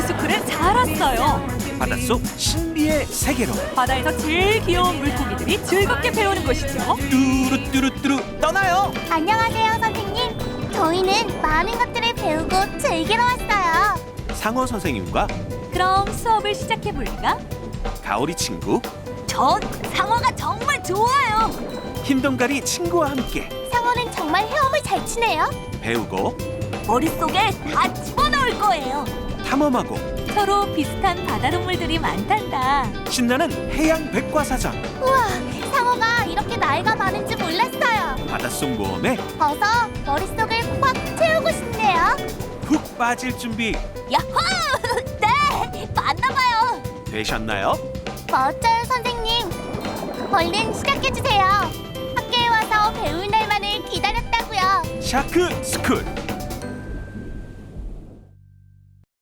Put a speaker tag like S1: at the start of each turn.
S1: 샤크스쿨에 잘 왔어요.
S2: 바닷속 신비의 세계로
S1: 바다에서 제일 귀여운 물고기들이 즐겁게 배우는 곳이죠.
S2: 뚜루뚜루뚜루 떠나요.
S3: 안녕하세요, 선생님. 저희는 많은 것들을 배우고 즐기러 왔어요.
S2: 상어 선생님과
S1: 그럼 수업을 시작해 볼까?
S2: 가오리 친구,
S1: 전 상어가 정말 좋아요.
S2: 흰동가리 친구와 함께
S3: 상어는 정말 헤엄을 잘 치네요.
S2: 배우고
S1: 머릿속에 다 집어넣을 거예요.
S2: 탐험하고
S1: 서로 비슷한 바다 동물들이 많단다.
S2: 신나는 해양 백과사전.
S3: 우와, 상어가 이렇게 나이가 많은지 몰랐어요.
S2: 바닷속 모험에
S3: 어서 머릿속을 꽉 채우고 싶네요.
S2: 푹 빠질 준비
S1: 야호! 네, 맞나봐요.
S2: 되셨나요?
S3: 멋져요, 선생님. 얼른 시작해주세요. 학교에 와서 배울 날만을 기다렸다고요.
S2: 샤크 스쿨